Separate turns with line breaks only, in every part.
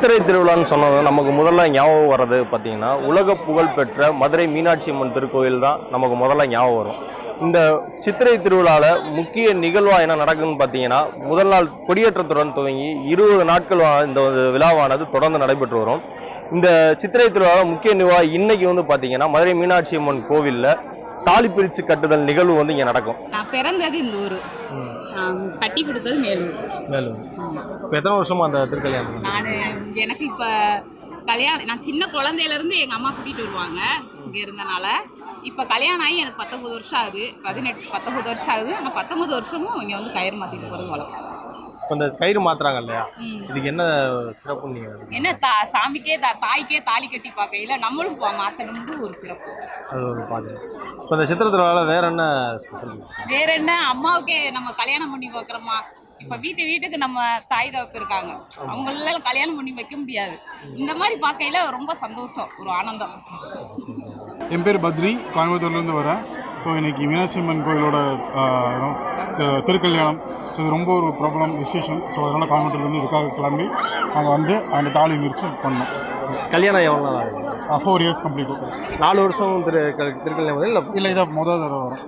சித்திரை திருவிழான்னு சொன்னது நமக்கு முதல்ல ஞாபகம் வர்றது பார்த்தீங்கன்னா உலக புகழ்பெற்ற மதுரை மீனாட்சி அம்மன் திருக்கோயில் தான் நமக்கு முதல்ல ஞாபகம் வரும். இந்த சித்திரை திருவிழாவில் முக்கிய நிகழ்வாக என்ன நடக்குதுன்னு பார்த்தீங்கன்னா, முதல் நாள் கொடியேற்றத்துடன் துவங்கி 20 நாட்கள் இந்த விழாவானது தொடர்ந்து நடைபெற்று வரும். இந்த சித்திரை திருவிழாவில் முக்கிய நிகழ்வாக இன்னைக்கு பார்த்தீங்கன்னா மதுரை மீனாட்சி அம்மன் கோவிலில் தாலி பிரித்து கட்டுதல் நிகழ்வு இங்கே நடக்கும்.
நான் பிறந்தது இந்த ஊர், கட்டி கொடுத்தது மேலூர்.
இப்போ எத்தனை வருஷமா அந்த திருக்கல்யாணம்?
எனக்கு இப்போ கல்யாணம், நான் சின்ன குழந்தையிலேருந்து எங்கள் அம்மா கூட்டிகிட்டு வருவாங்க இங்கே இருந்தனால. இப்போ கல்யாணம் ஆகி எனக்கு 19 வருஷம் ஆகுது, 19 வருஷம் ஆகுது. ஆனால் 19 வருஷமும் இங்கே கயிறு மாற்றிட்டு போகிறது வழக்கம்.
இப்போ இந்த கயிறு மாத்துறாங்க இல்லையா, இதுக்கு என்ன சிறப்பு?
என்ன சாமிக்கே தாய்க்கே தாலி கட்டி பார்க்கையில நம்மளும் மாற்றணும்னு ஒரு சிறப்பு. அது ஒரு பாட்டு.
இப்போ இந்த சித்திரை திருவிழாவில் வேற என்ன ஸ்பெஷல்?
வேற என்ன, அம்மாவுக்கே நம்ம கல்யாணம் பண்ணி பார்க்குறோமா. இப்போ வீட்டுக்கு நம்ம தாய் தகப்பு இருக்காங்க, அவங்கள கல்யாணம் பண்ணி வைக்க முடியாது. இந்த மாதிரி பார்க்கையில ரொம்ப சந்தோஷம், ஒரு ஆனந்தம்.
என் பேர் பத்ரி, கோயம்புத்தூர்லேருந்து வரேன். ஸோ இன்றைக்கி மீனாட்சி அம்மன் கோயிலோட திருக்கல்யாணம். ஸோ இது ரொம்ப ஒரு ப்ராப்ளம் விசேஷம். ஸோ அதனால் கோயம்புத்தூர்லேருந்து இதுக்காக கிளம்பி நாங்கள் வந்து அந்த தாலி மிரிச்சு பண்ணோம்.
கல்யாணம் எவ்வளோ நாள் ஆகும்?
4 இயர்ஸ் கம்ப்ளீட்.
4 வருஷம் திருக்கல்யாணம் இல்லை
இதை முதல் தடவை வரும்.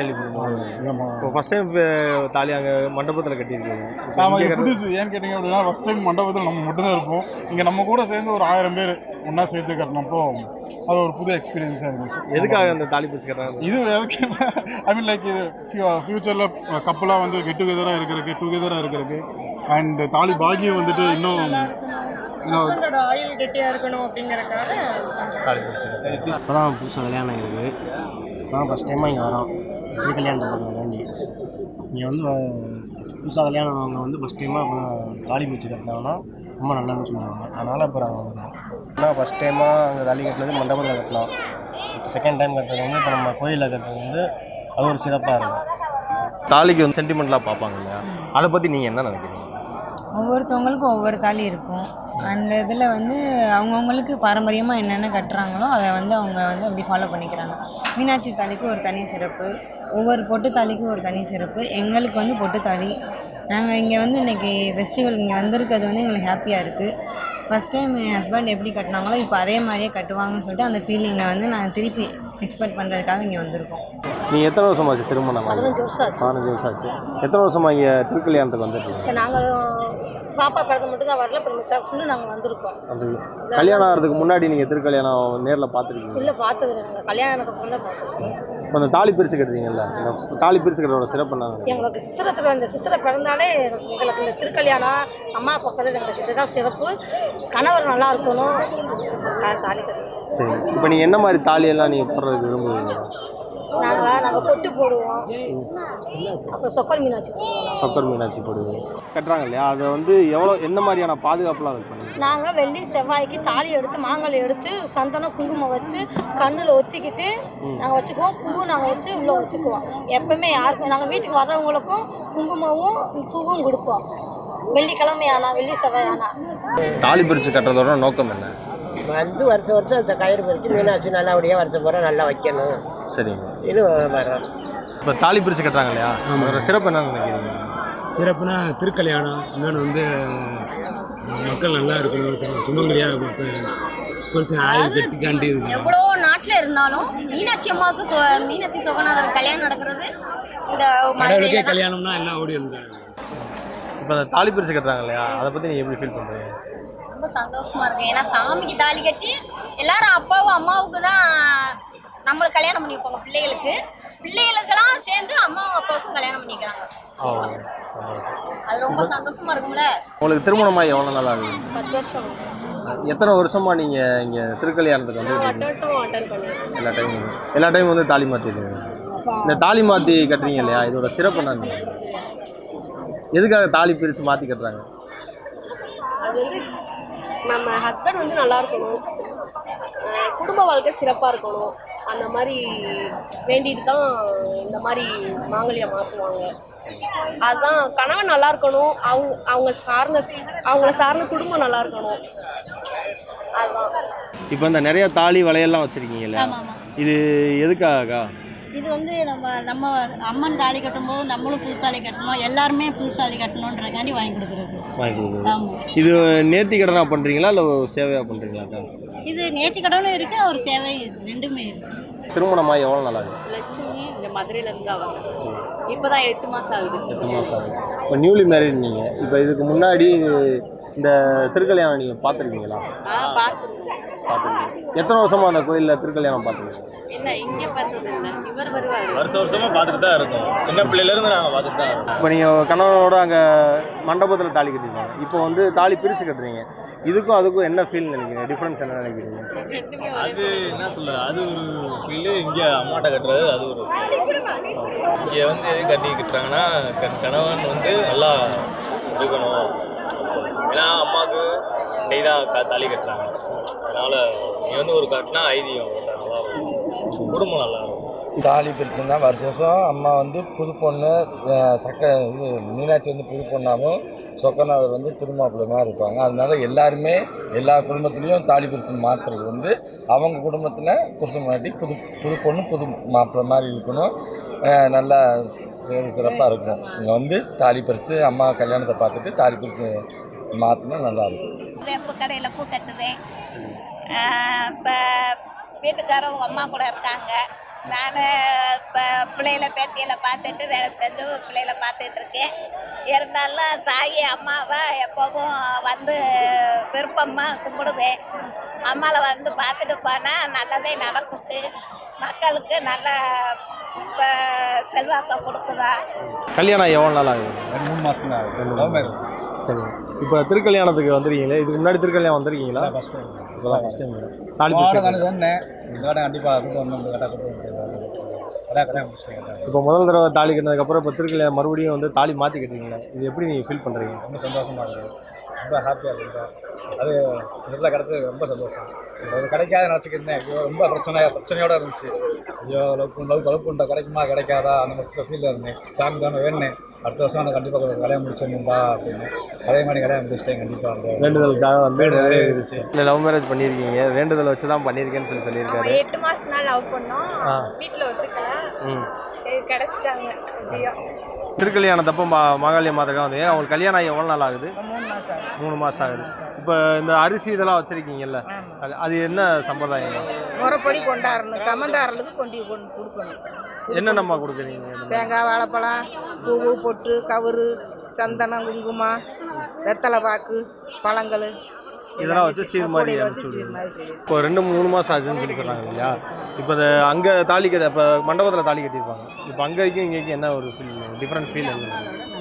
இப்போ ஃபஸ்ட் டைம் தாலி அங்கே மண்டபத்தில் கட்டியிருக்கீங்க.
ஆமாம், புதுசு. ஏன்னு கேட்டிங்க அப்படின்னா, ஃபஸ்ட் டைம் மண்டபத்தில் நம்ம மட்டும்தான் இருப்போம். இங்கே நம்ம கூட சேர்ந்து ஒரு 1000 பேர் ஒன்றா சேர்த்து கட்டினப்போ அது ஒரு புது எக்ஸ்பீரியன்ஸாக இருந்துச்சு.
எதுக்காக அந்த தாலி பிரிச்சு கட்டுறாங்க?
இது எதுக்கு, ஐ மீன் லைக் இது ஃப்யூச்சரில் கப்பலாக வந்து கெட் டுகெதராக இருக்கிறதுக்கு அண்ட் தாலி பாகியம் வந்துட்டு இன்னும்
ஆயில் கெட்டியாக இருக்கணும் அப்படிங்கிறதுக்காக
தாலி பிரிச்சு.
இப்போ தான் புதுசாக கல்யாணம் ஆகிருக்கு. இப்போ தான் ஃபஸ்ட் டைமாக இங்கே வரோம் திருக்கல்யாணத்தை பார்க்குறதுக்காண்டி. இங்கே வந்து புதுசாக கல்யாணம் அவங்க வந்து ஃபஸ்ட் டைமாக தாலி பிரிச்சு கட்டினாங்கன்னா ரொம்ப நல்லான்னு சொல்லுவாங்க. அதனால் இப்போ நாங்கள் வந்துடுவோம். ஆனால் ஃபஸ்ட் டைமாக அங்கே தாலி கட்டினது மண்டபத்தில் கட்டலாம். செகண்ட் டைம் கட்டுறது வந்து இப்போ நம்ம கோயிலில் கட்டுறது வந்து அது ஒரு சிறப்பாக இருக்கும்.
தாலிக்கு சென்டிமெண்ட்லாம் பார்ப்பாங்க இல்லையா, அதை பற்றி நீங்கள் என்ன நினைக்கிறீங்க?
ஒவ்வொருத்தவங்களுக்கும் ஒவ்வொரு தாலி இருக்கும். அந்த இதில் அவங்கவுங்களுக்கு பாரம்பரியமாக என்னென்ன கட்டுறாங்களோ அதை அவங்க அப்படி ஃபாலோ பண்ணிக்கிறாங்க. மீனாட்சி தாலிக்கு ஒரு தனி சிறப்பு, ஒவ்வொரு பொட்டு தாலிக்கும் ஒரு தனி சிறப்பு. எங்களுக்கு பொட்டு தாலி, நாங்கள் இங்கே இன்றைக்கி ஃபெஸ்டிவல் இங்கே வந்திருக்கிறது எங்களுக்கு ஹாப்பியாக இருக்குது. ஃபஸ்ட் டைம் என் ஹஸ்பண்ட் எப்படி கட்டினாங்களோ இப்போ அதே மாதிரியே கட்டுவாங்கன்னு சொல்லிட்டு அந்த ஃபீலிங்கை நாங்கள் திருப்பி எக்ஸ்பெக்ட் பண்ணுறதுக்காக இங்கே வந்திருக்கோம்.
நீங்கள் எத்தனை வருஷமாச்சு திருமணம்?
15 வருஷம் ஆச்சு.
15 வருஷம் ஆச்சு. எத்தனை வருஷமாக இங்கே திருக்கல்யாணத்துக்கு வந்துருக்கீங்க?
நாங்கள் பாப்பா பிறந்த மட்டும் தான் வரல, அப்புறம் ஃபுல்லு நாங்கள் வந்திருக்கோம்.
அப்படி கல்யாணம் ஆகிறதுக்கு முன்னாடி நீங்கள் திருக்கல்யாணம் நேரில் பார்த்துருக்கீங்க?
இல்லை, பார்த்தது இல்லை. நாங்கள் கல்யாணத்துக்கு அப்புறம் தான் பார்த்துருக்கோம்.
இப்போ அந்த தாலி பிரித்து கட்டுறீங்கல்ல, இந்த தாலி பிரித்து கட்டுறோட சிறப்பு என்ன?
எங்களுக்கு இந்த சித்திரை பிறந்தாலே எங்களுக்கு இந்த திருக்கல்யாணம் அம்மா பார்க்கறது எங்களுக்கு இதுதான் சிறப்பு. கணவர் நல்லா இருக்கணும், தாலி கட்டணும்.
சரி, இப்போ நீங்கள் என்ன மாதிரி தாலியெல்லாம் நீங்கள் போடுறதுக்கு விரும்புவீங்க?
நாங்கள் பொட்டு போடுவோம், அப்புறம் சொக்கர் மீனாட்சி
போடுவோம். கட்டுறாங்க இல்லையா, அதை என்ன மாதிரியான பாதுகாப்புலாம் அது பண்ணுங்க?
நாங்கள் வெள்ளி செவ்வாய்க்கு தாலி எடுத்து மாங்கல்யம் எடுத்து சந்தனம் குங்குமம் வச்சு கண்ணில் ஒத்திக்கிட்டு நாங்கள் வச்சுக்குவோம். பூவும் நாங்கள் வச்சு உள்ளே வச்சுக்குவோம். எப்பவுமே யாருக்கும் நாங்கள் வீட்டுக்கு வர்றவங்களுக்கும் குங்குமமும் பூவும் கொடுப்போம். வெள்ளிக்கிழமை ஆனால் வெள்ளி செவ்வாய் ஆனால்.
தாலி பிரித்து கட்டுறதோட நோக்கம் என்ன?
வருஷம் அந்த கயிறு பறித்து மீனாட்சி நல்லபடியாக வருஷம் போகிற நல்லா வைக்கணும்.
சரிங்க,
இது வரோம்.
இப்போ தாலி பிரித்து கட்டுறாங்க இல்லையா, அதோட சிறப்பு என்னன்னு நினைக்கிறீங்க?
சிறப்புனா திருக்கல்யாணம், இன்னொன்று மக்கள் நல்லா இருக்கணும், சுமங்கலியாக ஆயுள் கட்டிக்காண்டி.
எவ்வளோ நாட்டில் இருந்தாலும் மீனாட்சி அம்மாவுக்கு மீனாட்சி சொகநாதர் கல்யாணம் நடக்கிறது இந்த
கடவுளுக்கே கல்யாணம்னா எல்லாம் ஓடி இருந்தாங்க.
இப்போ அந்த தாலி பிரித்து கட்டுறாங்க இல்லையா, அதை பற்றி நீங்கள் எப்படி ஃபீல் பண்ணுறீங்க?
ரொம்ப சந்தோஷமா இருக்கு. ஏன்னா சாமிக்கு தாலி கட்டி எல்லாரும் அப்பாவும் அம்மாவுக்கு தான் நம்மளுக்கு கல்யாணம் பண்ணி வைப்பாங்க. பிள்ளைகளுக்கெல்லாம் சேர்ந்து அம்மாவும் அப்பாவுக்கும் கல்யாணம் பண்ணிக்கிறாங்க. அது ரொம்ப சந்தோஷமா இருக்கும்ல.
உங்களுக்கு திருமணமாக எவ்வளோ நாள் ஆகுது?
10 வருஷம்.
எத்தனை வருஷமா நீங்கள் இங்கே திருக்கல்யாணத்துக்கு எல்லா டைமும் தாலி மாற்றிடுங்க? இந்த தாலி மாற்றி கட்டுறீங்க இல்லையா, இதோட சிறப்பு என்ன? எதுக்காக தாலி பிரித்து மாற்றி கட்டுறாங்க?
அது நம்ம ஹஸ்பண்ட் நல்லா இருக்கணும், குடும்ப வாழ்க்கை சிறப்பாக இருக்கணும், அந்த மாதிரி வேண்டிட்டு தான் இந்த மாதிரி மாங்கல்யம் மாற்றுவாங்க. அதுதான் கணவன் நல்லா இருக்கணும், அவங்கள சார்ந்த குடும்பம் நல்லா இருக்கணும். அதுதான்.
இப்போ இந்த நிறைய தாலி வளையெல்லாம் வச்சுருக்கீங்கல்ல, இது எதுக்காக?
இது வந்து நம்ம அம்மன் தாலி கட்டும்போது நம்மளும் புது தாலி கட்டணும், எல்லாருமே புது தாலி கட்டணுன்றக்காண்டி வாங்கி கொடுக்குறது. ஆமாம்.
இது நேர்த்தி கடனா பண்ணுறீங்களா இல்லை சேவையாக பண்ணுறீங்களாக்கா?
இது நேர்த்தி கடனும் இருக்குது, ஒரு சேவை ரெண்டுமே இருக்குது.
திருமணமாக எவ்வளோ நாள் ஆகுது?
லட்சுமி இந்த மதுரையிலேருந்து அவங்க இப்போ தான் 8 மாதம் ஆகுது.
8 மாதம் ஆகுது. இப்போ நியூலி மேரிட் நீங்கள். இப்போ இதுக்கு முன்னாடி இந்த திருக்கல்யாணம் நீங்கள் பார்த்துருக்கீங்களா?
பார்த்துருக்கேன்.
எத்தனை வருஷமாக அந்த கோயிலில் திருக்கல்யாணம் பார்த்துருக்கீங்க?
இல்லை இங்கே பார்த்தது இல்லை, இவர் வருவார்.
வருஷமாக பார்த்துட்டு தான் இருக்கோம். சின்ன பிள்ளையிலேருந்து நாங்கள் பார்த்துட்டு தான் இருக்கோம்.
இப்போ நீங்கள் கணவனோட அங்கே மண்டபத்தில் தாலி கட்டிருக்கீங்க, இப்போ வந்து தாலி பிரித்து கட்டுறீங்க. இதுக்கும் அதுக்கும் என்ன ஃபீல் நினைக்கிறீங்க? டிஃப்ரென்ஸ் என்ன நினைக்கிறீங்க?
அது என்ன சொல்ல, அது ஒரு ஃபீலு. இங்கே அம்மாட்ட கட்டுறது அது ஒரு இங்கே வந்து எது கட்டி கட்டுறாங்கன்னா கணவன் வந்து நல்லா இருக்கணும். ஏன்னா அம்மாவுக்கு இன்னைக்கு தான் தாலி கட்டுறாங்க. அதனால் இங்கே வந்து ஒரு கட்டினா ஐதீகம் நல்லா இருக்கும், குடும்பம் நல்லா இருக்கும்.
தாலி பிரிச்சுன்னா வருஷம் அம்மா வந்து புது பொண்ணு இது மீனாட்சி வந்து புது பொண்ணாகவும் சொக்கநாதர் வந்து புது மாப்பிள்ளை மாதிரி இருப்பாங்க. அதனால எல்லாருமே எல்லா குடும்பத்துலேயும் தாலி பிரித்து மாற்றுறது வந்து அவங்க குடும்பத்தில் புருஷன் முன்னாடி புது பொண்ணு புது மாப்பிள்ளை மாதிரி இருக்கணும், நல்லா சிறப்பாக இருக்கும். இங்கே வந்து தாலி பிரித்து அம்மா கல்யாணத்தை பார்த்துட்டு தாலி பிரித்து மாற்றினா நல்லாயிருக்கும்.
பூ கடையில் பூ கட்டுவேன். இப்போ வீட்டுக்காரவங்க அம்மா கூட இருக்காங்க. நான் இப்போ பிள்ளைகளை பேத்தியில் பார்த்துட்டு வேலை செஞ்சு பிள்ளைகளை பார்த்துட்டு இருக்கேன். இருந்தாலும் தாய் அம்மாவை எப்போவும் வந்து விருப்பமாக கும்பிடுவேன். அம்மாவை வந்து பார்த்துட்டு போனால் நல்லதே நடக்குது, மக்களுக்கு நல்ல இப்போ செல்வாக்கை கொடுக்குதா.
கல்யாணம் எவ்வளோ நாள் ஆகுது?
3 மாதம் தான் ஆகுது.
சரி. இப்போ திருக்கல்யாணத்துக்கு வந்துருக்கீங்களே, இதுக்கு முன்னாடி திருக்கல்யாணம் வந்திருக்கீங்களா?
First time.
இப்போ தான் ஃபஸ்ட் டைம் தாலி பிரிச்சு.
சொன்னேன் இந்த வாரம் கண்டிப்பாக கூட்டு வந்து கரெக்டாக முடிச்சிட்டேன்.
இப்போ முதல் தடவை தாலி கட்டினதுக்கப்புறம் இப்போ திருக்கல்யாணம் மறுபடியும் வந்து தாலி மாற்றி கட்டுறீங்களா? இது எப்படி நீங்கள் ஃபீல் பண்ணுறீங்க?
ரொம்ப சந்தோஷமாக இருக்குது, ரொம்ப ஹாப்பியாக இருக்குது. அது இதில் கிடச்சது ரொம்ப சந்தோஷம். அது கிடைக்காத நினச்சிக்கிருந்தேன். ஐயோ ரொம்ப பிரச்சனையோடு இருந்துச்சு. ஐயோ லவ் பண்ணுற கிடைக்குமா கிடைக்காதா அந்த ஃபீலில் இருந்தேன். சாமி தானே வேணுனேன், அடுத்த வருஷம் நான் கண்டிப்பாக கல்யாணம் முடிச்சிடணும்பா அப்படின்னு. அதே மாதிரி கல்யாணம் முடிச்சிட்டேன். கண்டிப்பாக அந்த
வேண்டுதலுக்காக வந்து நிறைய இருந்துச்சு. இல்லை லவ் மேரேஜ் பண்ணியிருக்கீங்க, வேண்டுதல் வச்சு தான் பண்ணியிருக்கேன்னு சொல்லியிருக்காரு.
8 மாதம் தான் லவ் பண்ணோம், வீட்டில் ஒத்துக்கல, கிடச்சிட்டாங்க. எப்படியோ
திருக்கல்யாணத்தப்போ மாகாளிய மாதக்கா வந்து அவங்களுக்கு கல்யாணம் ஆகி எவ்வளோ நாள் ஆகுது? 3 மாதம் ஆகுது. இப்போ இந்த அரிசி இதெல்லாம் வச்சுருக்கீங்கல்ல, அது என்ன சம்பிரதாயம்?
முறைப்படி கொண்டாடணும், சம்மந்தாரர்களுக்கு கொண்டு கொடுக்கணும்.
என்னென்னம்மா கொடுக்குறீங்க?
தேங்காய், வாழைப்பழம், பூவு, பொட்டு, கவுரு, சந்தனம், குங்குமம், வெத்தலை பாக்கு, பழங்கள்
இதெல்லாம் வச்சு சீர் மாதிரி இப்போ 2-3 மாதம் ஆச்சுன்னு சொல்லி சொல்கிறாங்க இல்லையா? இப்போ அங்கே தாலி கட்ட இப்போ மண்டபத்தில் தாலி கட்டியிருப்பாங்க. இப்போ அங்கேயும் இங்கேயும் என்ன ஒரு ஃபீல், டிஃப்ரெண்ட் ஃபீல் என்ன?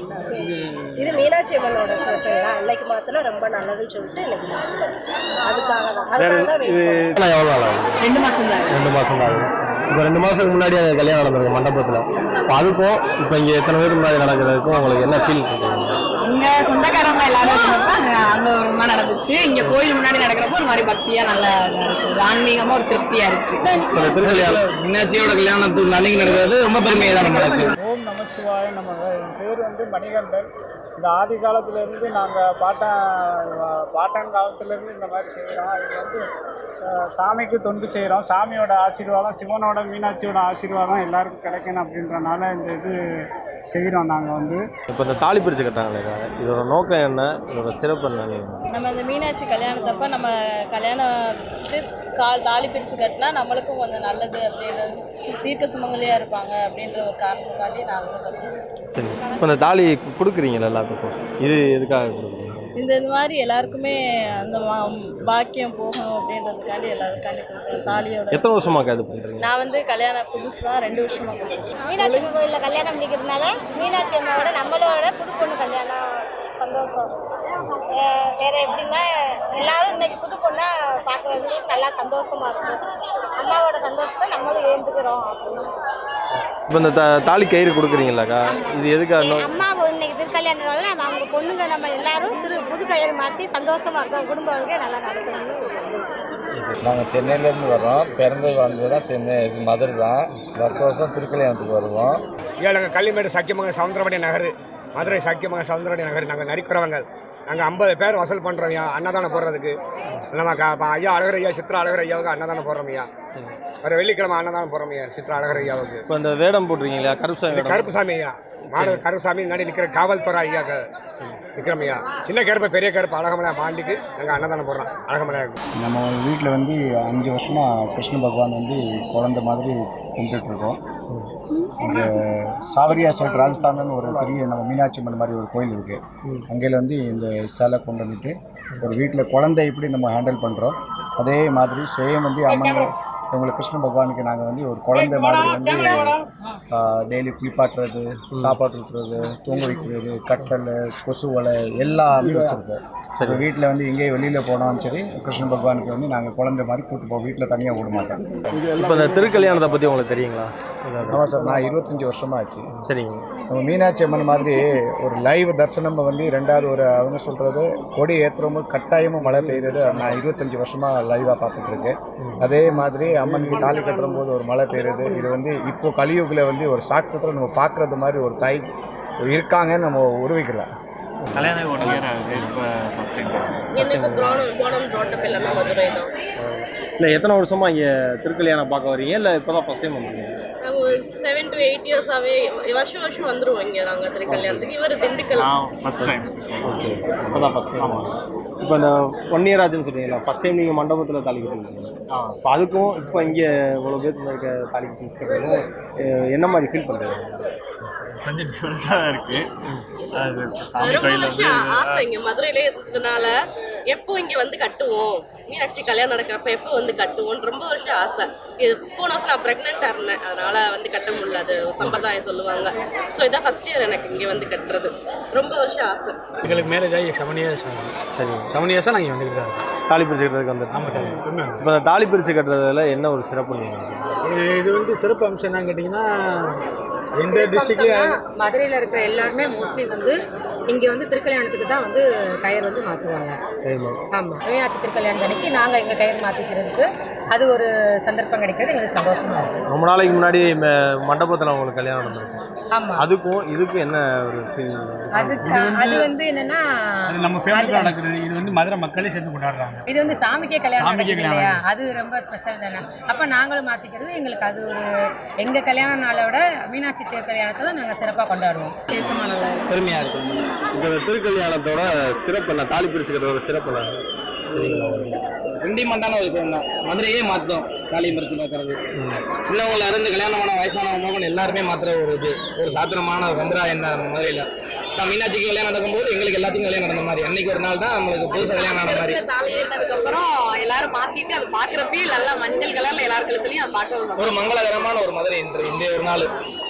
இது மீனாட்சி அம்மனோட ஸ்பெஷல் தான். இன்னைக்கு மாத்தினா ரொம்ப நல்லதுன்னு சொல்லிட்டு இன்னைக்கு அதுக்காக தான்.
இது எவ்வளோ நாள் ஆகுது?
2 மாதம் தான்.
2 மாதம் தான் ஆகுது. இப்போ 2 மாதத்துக்கு முன்னாடி அந்த கல்யாணம் நடந்திருக்கு மண்டபத்தில். இப்போ அதுக்கும் இப்போ இங்கே எத்தனை பேருக்கு முன்னாடி நடக்கிறதுக்கும் உங்களுக்கு என்ன ஃபீல் இருக்குது?
இங்கே சொந்தக்காரங்க எல்லாரும் இருந்தப்போ அங்கே ஒரு மாதிரி நடந்துச்சு. இங்கே கோயில் முன்னாடி நடக்கிறப்போ ஒரு மாதிரி பக்தியாக நல்லா இருக்குது, ஆன்மீகமாக ஒரு திருப்தியாக இருக்குது.
இப்போ திருக்கல்யாணம்
மீனாட்சியோட கல்யாணத்துக்கு நாளைக்கு நடக்கிறது ரொம்ப பெருமையாக தான் நடக்குது.
ஓம் நமச்சிவாய நமக. என் பேர் வந்து மணிகண்டன். இந்த ஆதி காலத்திலேருந்து நாங்கள் பாட்டன் காலத்திலேருந்து இந்த மாதிரி செய்கிறோம். இது வந்து சாமிக்கு தொண்டு செய்கிறோம். சாமியோட ஆசீர்வாதம், சிவனோட மீனாட்சியோட ஆசீர்வாதம் எல்லாருக்கும் கிடைக்கணும் அப்படின்றனால இந்த இது செய்கிறோம் நாங்கள் வந்து.
இப்போ இந்த தாலி பிரித்து கட்டாங்களே, இதோட நோக்கம் என்ன, இதோட சிறப்பு என்ன?
நம்ம இந்த மீனாட்சி கல்யாணத்தப்ப நம்ம கல்யாணத்துக்கு தாலி பிரித்து கட்டினா நம்மளுக்கும் கொஞ்சம் நல்லது அப்படின்னு, தீர்க்க சுமங்கலியாக இருப்பாங்க அப்படின்ற ஒரு காரணத்துக்காண்டி நாங்களும் கட்டுறோம்.
சரி. இப்போ இந்த தாலி கொடுக்குறீங்களா எல்லாத்துக்கும், இது எதுக்காக கொடுக்குறீங்க?
இந்த மாதிரி எல்லாருக்குமே அந்த பாக்கியம் போகணும் அப்படின்றதுக்காண்டி எல்லாருக்காண்டி கொடுக்குறோம். தாலியோட
எத்தனை வருஷமாக இது பண்ணுறீங்க?
நான் வந்து கல்யாணம் புதுசு தான், 2 வருஷமாக கொடுக்குறேன்.
மீனாட்சி அம்மன் கோயிலில் கல்யாணம் பண்ணிக்கிறதுனால மீனாட்சி அம்மாவோட நம்மளோட புது பொண்ணு கல்யாணம் சந்தோஷம். வேறு எப்படின்னா எல்லாரும் இன்னைக்கு புது பொண்ணை பார்க்குறதுக்கு நல்லா சந்தோஷமாக இருக்கும். அம்மாவோட சந்தோஷத்தை நம்மளும் ஏந்துக்கிறோம் அப்படின்னு.
இப்போ இந்த தாலி கயிறு கொடுக்குறீங்களாக்கா, இது எதுக்காக?
அம்மா இன்னைக்கு திருக்கல்யாணம்னால அவங்க பொண்ணுங்க நம்ம எல்லாரும் புது கயிறு மாற்றி சந்தோஷமாக இருக்கோம், குடும்பங்களுக்கே நல்லா நடக்கணும்னு ஒரு சந்தோஷம்.
நாங்கள் சென்னையிலேருந்து வர்றோம். பிறந்து வந்தது தான் சென்னை, இது மதுரை தான். வருஷம் திருக்கல்யாணத்துக்கு வருவோம்.
நாங்கள் கள்ளிமேடு சக்கியமங்கலம் சவுந்தரபாடி நகர்
மதுரை சாக்கியமாக சவுந்தரடி நகர் நாங்கள் நரிக்கிறவங்க. நாங்கள் 50 பேர் வசூல் பண்ணுறோம் ஐயா அன்னதானம் போடுறதுக்கு. நம்ம ஐயா அழகர் ஐயா சித்ரா அழகர் ஐயாவுக்கு அன்னதானம் போடுறோம் ஐயா. வர வெள்ளிக்கிழமை அன்னதானம் போடுறோம் ஐயா சித்ரா அழகர் ஐயாவுக்கு.
இப்போ இந்த வேடம் போட்டிருக்கீங்களா கருப்புசாமி?
கருப்புசாமி ஐயா மாடு கருப்புசாமி முன்னாடி நிற்கிற காவல்துறை ஐயாக்கு நிற்கிறோம் ஐயா. சின்ன கருப்பு பெரிய கருப்பு அழகமலை பாண்டிக்கு நாங்கள் அன்னதானம் போடுறோம் அழகமலையாவுக்கு.
நம்ம வீட்டில் வந்து 5 வருஷமாக கிருஷ்ண பகவான் வந்து குழந்தை மாதிரி கும்பிட்டுருக்கோம். இங்கே சாவரியா சைட் ராஜஸ்தான்னு ஒரு பெரிய நம்ம மீனாட்சி அம்மன் மாதிரி ஒரு கோயில் இருக்குது. அங்கேயில் வந்து இந்த ஸ்டாலை கொண்டு வந்துட்டு ஒரு வீட்டில் குழந்தை எப்படி நம்ம ஹேண்டில் பண்ணுறோம் அதே மாதிரி சேம் வந்து அம்மன் இவங்களுக்கு கிருஷ்ண பகவானுக்கு நாங்கள் வந்து ஒரு குழந்தை மாதிரி வந்து டெய்லி குளிப்பாட்டுறது, சாப்பாடு ஊற்றுறது, தூங்க வைக்கிறது, கட்டல், கொசு வலை எல்லாமே வச்சுருக்கோம். சரி வீட்டில் வந்து எங்கேயும் வெளியில் போனாலும் சரி கிருஷ்ண பகவானுக்கு வந்து நாங்கள் குழந்தை மாதிரி கூப்பிட்டு போவோம். வீட்டில் தனியாக விட மாட்டோம்.
இப்போ இந்த திருக்கல்யாணத்தை பற்றி உங்களுக்கு தெரியுங்களா?
ஆமாம் சார், நான் 25 வருஷமாக ஆச்சு.
சரிங்க.
நம்ம மீனாட்சி அம்மன் மாதிரி ஒரு லைவ் தரிசனம் வந்து 2வது ஒரு அவங்க சொல்கிறது கொடி ஏற்றுறவங்க கட்டாயமாக மழை பெய்யுறது நான் 25 வருஷமாக லைவாக பார்த்துட்ருக்கேன். அதே மாதிரி அம்மனுக்கு தாலி கட்டும்போது ஒரு மழை பெய்யுறது இது வந்து இப்போ கலியுகில் வந்து ஒரு சாட்சத்தில் நம்ம பார்க்குறது மாதிரி ஒரு தாய் இருக்காங்கன்னு நம்ம உருவிக்கலாம்.
கல்யாணம் 1 இயர் ஆகுது. இப்போ ஃபஸ்ட் டைம்
எல்லாமே மதுரை தான்.
இல்லை எத்தனை வருஷமாக இங்கே திருக்கல்யாணம் பார்க்க வரீங்க இல்லை இப்போ தான் ஃபஸ்ட் டைம் வந்துருக்கீங்க?
நாங்கள் 7 to 8 இயர்ஸாகவே வருஷம் வந்துடுவோம் இங்கே நாங்கள் திருக்கல்யாணத்துக்கு. இவர் திண்டுக்கல்
ஃபஸ்ட் டைம்.
ஓகே இப்போ தான் ஃபஸ்ட் டைம். இப்போ இந்த 1 இயர் ஆச்சுன்னு சொல்கிறீங்களா? ஃபஸ்ட் டைம் நீங்கள் மண்டபத்தில் தாலி கட்டிருக்கீங்க. இப்போ அதுக்கும் இப்போ இங்கே இவ்வளோ பேர் இருக்க தாலி கட்டுறதுக்கும் என்ன மாதிரி ஃபீல் பண்ணுறீங்க?
கொஞ்சம் டிஃப்ரெண்ட்டாக தான் இருக்குது. அது சாமி
ரொம்ப
கோயில்
வருஷம் ஆசை இங்கே மதுரையிலே இருந்ததுனால எப்போ இங்கே வந்து கட்டுவோம், மீனாட்சி கல்யாணம் நடக்கிறப்ப எப்போ வந்து கட்டுவோன்னு ரொம்ப வருஷம் ஆசை. இது போன வருஷம் நான் ப்ரெக்னெண்ட்டாக இருந்தேன், அதனால் வந்து கட்ட முடியல. அது சம்பிரதாயம் சொல்லுவாங்க. ஸோ இதான் ஃபஸ்ட் இயர் எனக்கு இங்கே வந்து கட்டுறது. ரொம்ப வருஷம் ஆசை.
எங்களுக்கு மேரேஜ் ஆகி 7 years ஆகுது.
சரி
7 yearsஸாக நாங்கள் வந்துக்கிட்டு தான் இருக்கோம்.
தாலி பிரித்து கட்டுறதுக்கு வந்து.
ஆமாம்.
இப்போ இந்த தாலி பிரித்து கட்டுறதுல என்ன ஒரு சிறப்பு நீங்கள்?
இது வந்து சிறப்பு அம்சம் என்னன்னு கேட்டிங்கன்னா எந்த டிஸ்ட்ரிக்ட்லேயும்
மதுரையில் இருக்கிற எல்லாருமே மோஸ்ட்லி வந்து இங்கே வந்து திருக்கல்யாணத்துக்கு தான் வந்து கயிறு வந்து மாற்றுவாங்க. ஆமாம், மீனாட்சி திருக்கல்யாணம் அன்னைக்கு நாங்கள் எங்கள் கயிறு மாற்றிக்கிறதுக்கு அது ஒரு சந்தர்ப்பம் கிடைக்கிறது எங்களுக்கு சந்தோஷமாக இருக்குது.
ரொம்ப நாளைக்கு முன்னாடி மண்டபத்தில் உங்களுக்கு கல்யாணம் நடந்திருக்கும்.
ஆமாம்,
அதுக்கும் இதுக்கும் என்ன ஒரு ஃபீல்?
அது வந்து என்னென்னா
அது நம்ம ஃபேமிலியில் நடக்கிறது. இது வந்து மதுரை மக்களே சேர்ந்து கொண்டாடுறாங்க.
இது வந்து சாமிக்கே கல்யாணம் நடக்குது இல்லையா, அது ரொம்ப ஸ்பெஷல் தானே. அப்போ நாங்களும் மாற்றிக்கிறது எங்களுக்கு அது ஒரு எங்கள் கல்யாண நாளை விட மீனாட்சி திருக்கல்யாணத்தை நாங்கள் சிறப்பாக கொண்டாடுவோம். பேசமாக நல்லா
பெருமையாக இருக்கும். இப்போ இந்த திருக்கல்யாணத்தோட சிறப்பு என்ன? தாலி பிரித்து கட்டுறதோட சிறப்பு என்ன?
சென்டிமெண்டான ஒரு விஷயம் தான். மதுரையே மாற்றோம் தாலி மறிச்சு பார்க்கறது. சின்னவங்கள இருந்து கல்யாணமான வயசானவங்க எல்லாருமே மாத்திர ஒரு இது ஒரு சாத்திரமான சம்பிரதாயம் தான் நம்ம மதுரையில். நான் மீனாட்சிக்கு கல்யாணம் நடக்கும்போது எங்களுக்கு எல்லாத்துக்கும் கல்யாணம் நடந்த மாதிரி அன்னைக்கு ஒரு நாள் தான் நம்மளுக்கு புதுசாக கல்யாணம் ஆன மாதிரி.
தாலி ஏறினதுக்கப்புறம் எல்லாரும் மாற்றிட்டு அது பார்க்குறப்பே நல்லா மஞ்சள் கலரில் எல்லார் கழுத்துலையும் அதை பார்க்க
ஒரு மங்களகரமான ஒரு மதுரை இன்று இந்த ஒரு நாள்